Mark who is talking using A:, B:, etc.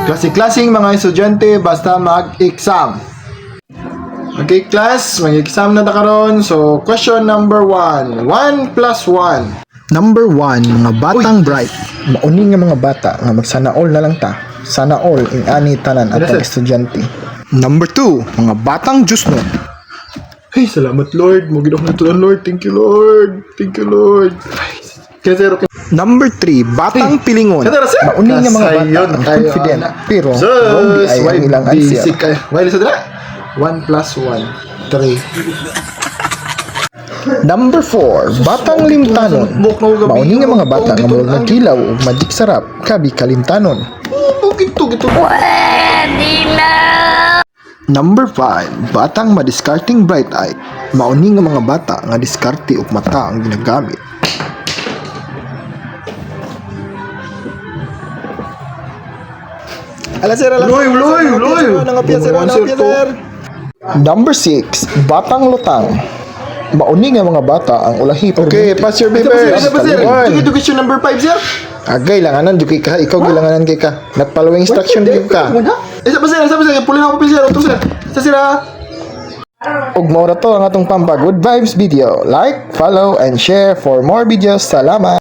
A: Klase-klaseng mga estudyante basta mag-exam. Okay, class, mag-exam na ta karon. So, question number 1. 1 plus 1. Number 1, mga batang bright. Mauni nga mga bata nga magsana all na lang ta. Sana all in ani tanan atong estudyante. Number 2, mga batang Diyos no. Hey, salamat Lord. Magidok na tuan Lord. Thank you Lord. Thank you Lord. Number 3, batang pilingon. Mauni nga mga bata ang confident pero wrong ay ang ilang answer. Why sa dira? 1 plus 1, 3. Number 4, batang limtanon. Mauni nga mga bata nga murag nagkilaw ug magic sarap kabi kalimtanon. Number 5, batang madiskarting bright eye. Mauni nga mga bata nga diskarte ug mata ang ginagamit. Ala sir, ala. Loy. Number 6, batang lutang. Mauni nga mga bata ang ulahi. Okay, pass your papers. Sige, question number 5, sir. Agay, langanan, duki ka. Ikaw gilanganan kay ka. Not following instruction din ka. Sa sir. Pulin ako, sir. Ito, sir. Sa sir, ug mao ra to ang atong Pampa Good Vibes video. Like, follow, and share for more videos. Salamat!